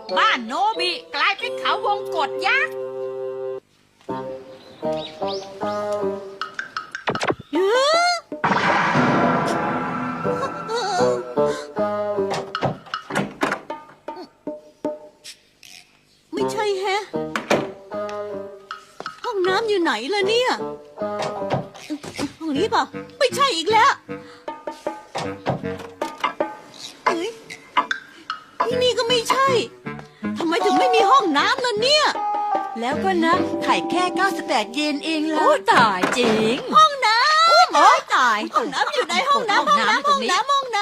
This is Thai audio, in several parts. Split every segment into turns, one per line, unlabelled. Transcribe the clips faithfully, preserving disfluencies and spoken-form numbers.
บ้านโนบิกลายเป็นเขาวงกตยักษ์
ไม่ใช่แฮะห้องน้ำอยู่ไหนล่ะเนี่ยห้องนี้เปล่าไม่ใช่อีกแล้วเอ้ยที่นี่ก็ไม่ใช่ทำไมถึงไม่มีห้องน้ำล่ะเนี่ย
แล้วก็นะไข่แค่เก้าสิบแปดเยนเองล่ะ
โอ้ตายจริง
ห้องน้ำ
โอ้ตาย
ห้องน้ำอยู่ไหนห้องน้ำห้องน้ำห้องน้ำห้องน้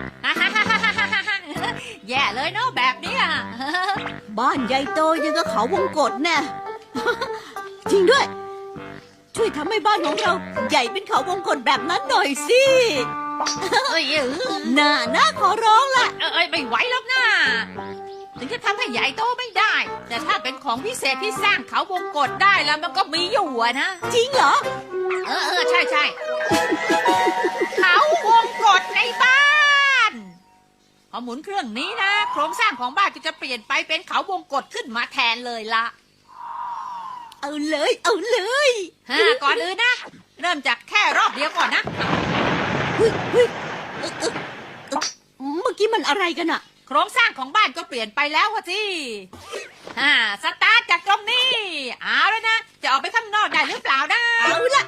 แย่เลยเนาะแบบเนี้ย
ำบ้านใหญ่โตยังกับเขาวงกตแน่ จริงด้วย ช่วยทำให้บ้านของเราใหญ่เป็นเขาวงกตแบบนั้นหน่อยสิ
เอ้ยเออ
น่าน่าขอร้องล่ะ
เอ้ยไม่ไหวแล้วนะถึงจะทำให้ใหญ่โตไม่ได้ แต่ถ้าเป็นของพิเศษที่สร้างเขาวงกตได้แล้วมันก็มีอยู่อะนะ
จริงเหรอ
เออเออใช่ใช่เขาวงกตในบ้านพอหมุนเครื่องนี้นะโครงสร้างของบ้านก็จะเปลี่ยนไปเป็นเขาวงกตขึ้นมาแทนเลยละ
เอาเลยเอาเลย
ฮะก่อนอื่นนะ เริ่มจากแค่รอบเดียวก่อนนะ
เฮ้ยเฮ้ยเอ่อเอ่อเอ่อเมื่อกี้มันอะไรกันอะ
โครงสร้างของบ้านก็เปลี่ยนไปแล้ววะที่ฮ่าสตาร์ทจากตรงนี้เอาแล้วนะจะออกไปข้างนอกได้หรือเปล่านะ
เอาละ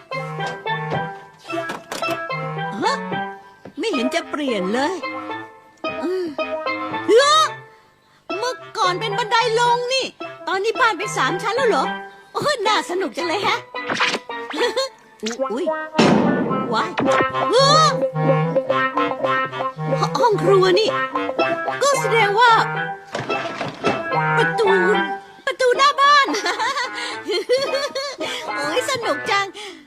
ฮะไม่เห็นจะเปลี่ยนเลยอืมเหรอเมื่อก่อนเป็นบันไดลงนี่ ตอนนี้บ้านเป็นสามชั้นแล้วเหรอโอ้ยน่าสนุกจังเลยฮะ อุ้ยว้ายเฮ้อห้องครัวนี่ ก็แสดงว่า ประตู ประตูหน้าบ้าน โอ้ยสนุกจัง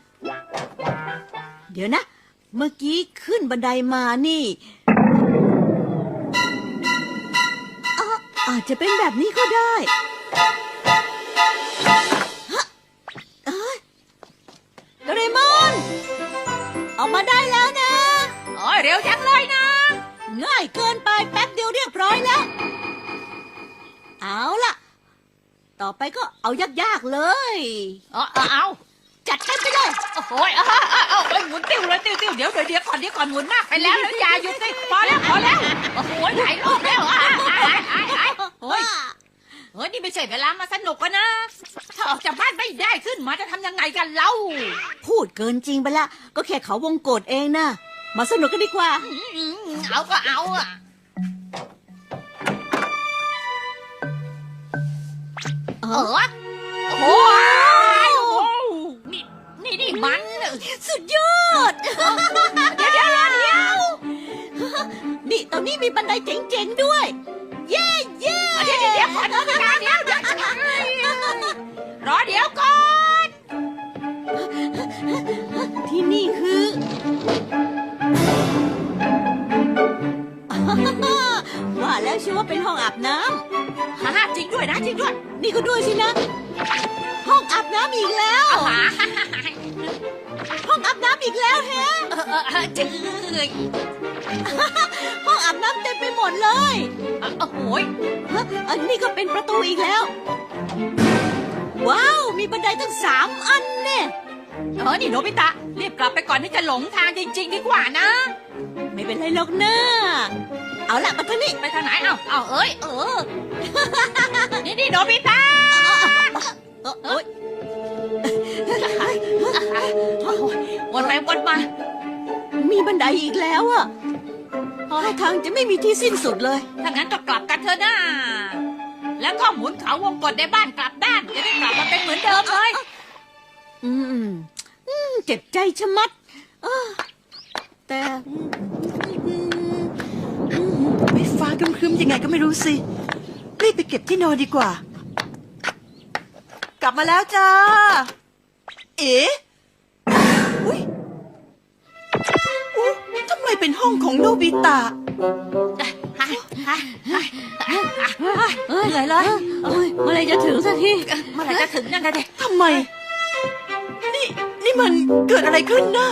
เดี๋ยวนะ เมื่อกี้ขึ้นบันไดมานี่อ่ะอาจจะเป็นแบบนี้ก็ได้ฮะเอ้ยโดเรมอน ออกมาได้แล้วนะ
โอ้ยเร็วจังเลยนะ
ง่ายเกินไปแป๊บเดียวเรียบร้อยแล้ว เอาล่ะ ต่อไปก็เอายากๆเลย
เอาเอาเอา
จัดเต็มไปเลย
โอ้โหเอาเอาเอาเอาเอาหมุนติ้วเลยติ้วติ้วเดี๋ยวเดี๋ยวเดี๋ยวก่อนเดี๋ยวก่อนหมุนมากไปแล้วแล้วอย่าหยุดสิพอแล้วพอแล้วโอ้โหหลายรอบแล้วอ่ะอ่ะอ่ะอ่ะอ่ะโอ้ยเฮ้ยนี่ไม่ใช่เวลามาสนุกกันนะถ้าออกจากบ้านไม่ได้ขึ้นมาจะทำยังไงกันเล่า
พูดเกินจริงไปละก็แค่เขาวงกตเองนะมาสนุกกันดีกว่า
อืมเอาก็เอาอ่ะเออโอ้โหนี่นี่นี่มัน
สุดยอด
เดี๋ยวเดี๋ยวเดี๋ยวเดี๋ยว
นี่ตอนนี้มีบันไดเจ๋งๆด้วย เย้เย้
เดี๋ยวเดี๋ยวเดี๋ยวก่อนเดี๋ยวเดี๋ยวเดี๋ยวรอเดี๋ยวก่อน
ที่นี่คือ ว่าแล้วชื่อว่าเป็นห้องอาบน้
ฮ่าจริงด้วยนะจริงด้วย
ำนี่ก็ด้วยสินะ ห้องอาบน้ำอีกแล้ว
เอาหา
ห้องอาบน้ำอีกแล้วแฮะ
เออเออเออจืด
ห้องอาบน้ำเต็มไปหมดเลย
โอ้โหย
ฮะอันนี้ก็เป็นประตูอีกแล้ว ว้าว มีบันไดตั้งสามอันเนี่ย
เออนี่โนบิตะรีบกลับไปก่อนที่จะหลงทางจริง ๆ ดีกว่านะ
ไม่เป็นไรหรอกนะเอาละมาทางนี้
ไปทางไหนเอ้าเอ้าเอ้ยเออนี่นี่โนบิตะ
เอ้อโอ๊ย
โอ้โหวนไปวนมา
มีบันไดอีกแล้วอะท่าทางจะไม่มีที่สิ้นสุดเลย
ถ้างั้นก็กลับกันเถอะนะแล้วก็หมุนเขาวงกตในบ้านกลับด้านจะได้กลับมาเป็นเหมือนเดิมเลย
อืมอืมเจ็บใจชะมัดเออแต่อืมอืม
ไม่ฟ้าครึมๆยังไงก็ไม่รู้สิรีบไปเก็บที่นอนดีกว่า กลับมาแล้วจ้า เอ๋อุ้ยอุ๊ยทำไมเป็นห้องของโนบิตะ
เอ้ยเหนื่อยเลยเอ้ยเมื่อไรจะถึงสักที
เมื่อไหร่จะถึงนั่นนะเด็ก
ทำไม นี่นี่มันเกิดอะไรขึ้นนะ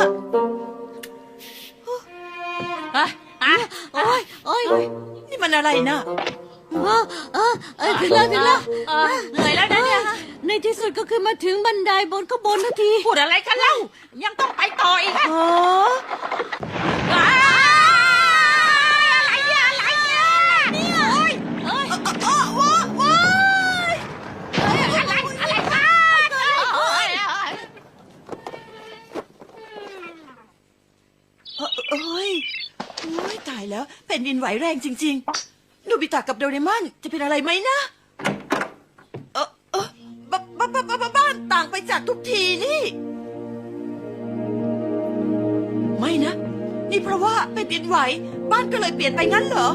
อ่ะอ่ะ
โอ้ยโอ้ย
นี่มันอะไรนะ
เออเออเออถึงแล้วถึงแล้ว
เออเหนื่อยแล้วนะเนี่ย
ในที่สุดก็คือมาถึงบันไดบนก็บนนาที
พูดอะไรกันเล่ายังต้องไปต่ออีกอะ
อ๋อ
อ้าวอะไรเนี่ยอะไรเนี่ยเนี่ยเอ้ยเอ้ย
อ๋อว้าว้า
เอ้ยอะไรอะไรกันเอ้ยเอ้ยเอ้ย
เอ้ยโอ้ยตายแล้วแผ่นดินไหวแรงจริงๆโนบิตะกับโดเรมอนจะเป็นอะไรไหมนะเออเออบ้าบ้าบ้าบ้าบ้านต่างไปจากทุกทีนี่ ไม่นะ นี่เพราะว่าแผ่นดินไหวบ้านก็เลยเปลี่ยนไปงั้นเหรอ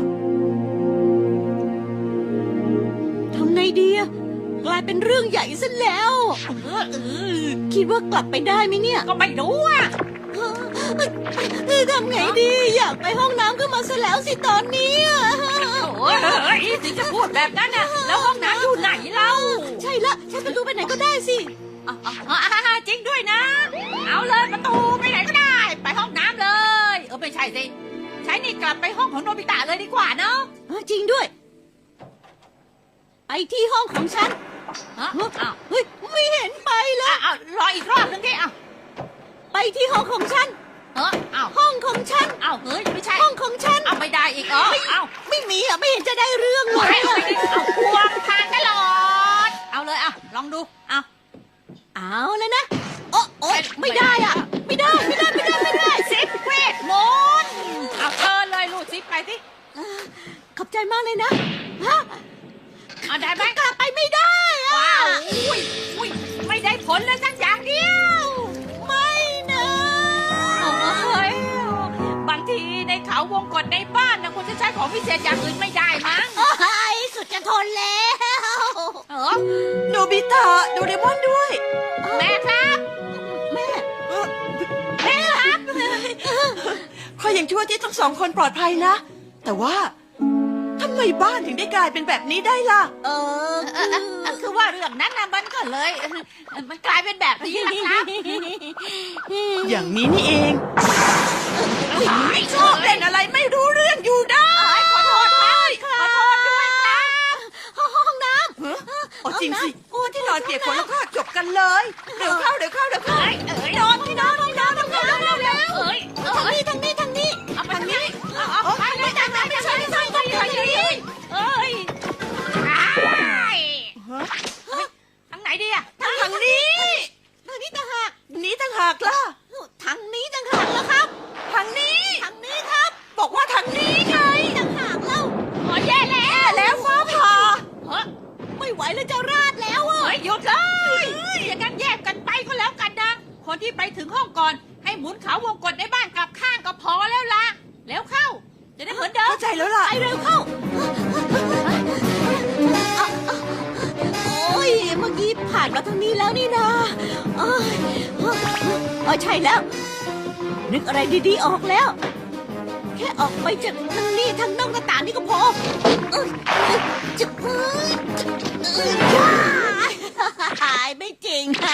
ทำไงดีอะกลายเป็นเรื่องใหญ่ซะแล้ว
เออเออ
คิดว่ากลับไปได้ไหมเนี่ย
ก็ไม่รู้อ่ะ
เออทำไงดี อยากไปห้องน้ำก็มาซะแล้วสิตอนนี้อะ
โอ้ยเฮ้ยถึงจะพูดแบบนั้นน่ะแล้วห้องน้ำอยู่ไหนเล่า
ใช่ละใช้ประตูไปไหนก็ได้สิ
อ่ะอ่ะอ่ะจริงด้วยนะ เอาเลยประตูไปไหนก็ได้ ไปห้องน้ำเลย เออไม่ใช่สิ ใช้นี่กลับไปห้องของโนบิตะเลยดีกว่าเนาะ
เออจริงด้วย ไปที่ห้องของฉัน
ฮะอ้าว
เฮ้ยไม่เห็นไปเล
อ่ะ
ย
อ้าวรออีกรอบนึงดิอ้าว
ไปที่ห้องของฉัน
เอออ้าว
ห้องของฉัน
อ้าวเฮ้ยไม่ใช่
ห้องของฉัน
อ้าวไม่ได้อีกเอออ้าว
ไม่มีอ่ะไม่เห็นจะได้เรื่องเล
ไม่
ย
เอา
อะ
ไม่ได้เอาควงทางตลอด เอาเลยอ่ะลองดูเอา
เอาเลยนะโอ้โอ้ไม่ได้อ่ะ ไม่ได้ไม่ได้ไม่ได้ไม่ได้
สิบเวทมนต์เอาเชิญเลยลูกสิบไปสิ
ขอบใจมากเลยนะฮะ
เอาได้ไหม
กลับไปไม่ได้อ่ะ
ว้าวอุ้ยอุ้ยไม่ได้ผลเลยสักอย่างเดียว
ไม่นะ
โอ้ยบางทีในเขาวงกฏในบ้านนะคุณจะใช้ของพิเศษอย่างอื่นไม่ได้มั้ง
โอ้ยสุดจะทนแล้ว
เออ
โนบิตะโดเรมอนด้วย
แม่ครับ
แม่
เอ่อ
แม่ครับ
ขออย่างชั่วที่ทั้งสองคนปลอดภัยนะ แต่ว่าทำไมบ้านถึงได้กลายเป็นแบบนี้ได้ล่ะ
เออ
เออเออเออคือว่าเรื่องนั้นนะมันก็เลยเออมันกลายเป็นแบบนี้นะครับ
อย่างนี้นี่เอง
ไม่
ชอบเล่นอะไรไม่รู้เรื่องอยู่ได้
ขอโทษครับขอโทษด้วยครับ
ห้องน้
ฮะอ๋อจริงสิโอ้ที่นอนเปียกฝนแล้วก็จบกันเลย เดี๋ยวเข้าเดี๋ยวเข้าเดี๋ยวเข้า
เอ้ยเอ้ยนอนที่นอนที่นอนที่นอนเร็วเร็วเอ้ย
ำทางนี้ทางนี้ทางนี้
เอาไปทางนี้เอาเอาไปเลยทางนั้นไม่ใช่ไม่ใช่ไม่ใช่ไม่ใช่เอ้ยทางไหนดีอะทาง
ทางนี้
ทางนี้ต่างหาก
นี้ต่างหากล่ะ
ทางนี้ต่างหากแล้วครับ
ทางนี้
ทางนี้ครับ
บอกว่าทางนี้ไง
ต่างหากแล้ว
โอ้ยแย่แล้ว
แล้วฟ้าผ่า
เฮ้ย
ไม่ไหวแล้วจะราดแล้วอ่ะ
เฮ้ยหยุดเลยอย่างนั้นแยกกันไปก็แล้วกันนะคนที่ไปถึงห้องก่อนให้หมุนเขาวงกดในบ้านกลับข้างก็พอแล้วล่ะแล้วเข้าจะได้เหมือนเดิม
เข้าใจแล้วล่ะ
ไปเร็วเข้า โอ้ยเมื่อกี้ผ่านมาทางนี้แล้วนี่นาเอ้ยเออใช่แล้ว นึกอะไรดีๆออกแล้ว แค่ออกไปจากทางนี้ทางนอกหน้าต่างนี่ก็พอเอ้ยจะเอ้ยจะเอ้ยจ้าหายไม่จริงค่ะ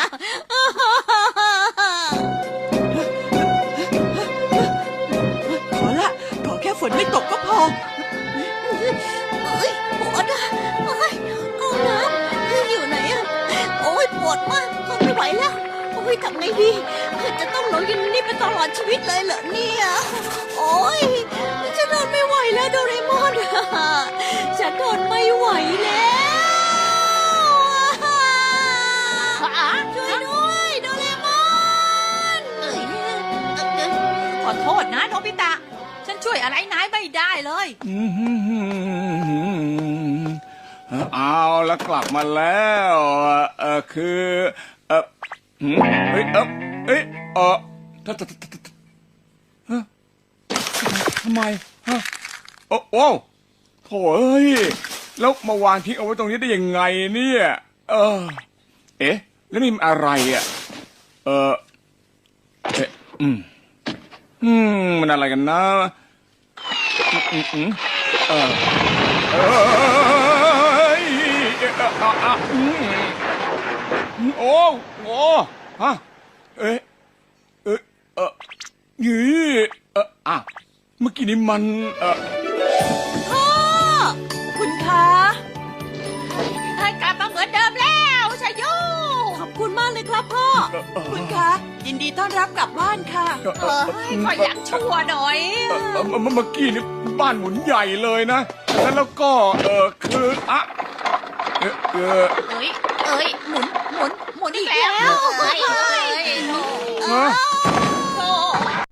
ขอละ ขอแค่ฝนไม่ตกก็พอ
เอ้ยปวดอ่ะเอ้ยเอาน้ำอยู่ไหนอ่ะโอ้ยปวดมากทนไม่ไหวแล้วโอ้ยทำไงดีจะต้องหลงอยู่นี่ไปตลอดชีวิตเลยเหรอเนี่ยโอ้ยฉันทนไม่ไหวแล้วโดเรมอนฉันทนไม่ไหวแล้วช่วยด้วยโดเรมอน
ขอโทษนะโนบิตะฉันช่วยอะไรนายไม่ได้เลย
เอาแล้วกลับมาแล้วเออคือเออหืมเฮ้ยเออเอ้ยเออททททฮะทำไมฮะโอ้โอ้โถ่เอ้ยแล้วมาวางทิ้งเอาไว้ตรงนี้ได้ยังไงเนี่ยเออเอ๊ะแล้วนี่มันอะไรอ่ะเออเอ๊ะอืมอืมมันอะไรกันนะอืมอืมอืมเออเอ้ยอ่ะอ่ะอ่ะอืมโอ้โอ้ฮะเอ๊ะเอ๊ะเออยี่เอออ่ะเมื่อกี้นี้มันเออ
พ่อ
คุณคะ
เลยครับพ่อ
คุณคะ ยินดีต้อนรับกลับบ้านค่ะ
เออขออยากชั่วหน่อย
เอ่อเอ่อเมื่อเมื่อกี้นี่บ้านหมุนใหญ่เลยนะแล้วแล้วก็เออคืออะเออเออ
เอ้ยเอ้ยหมุนหมุนหมุนอีกแล้วเอ้ยเอ้ย
ฮะ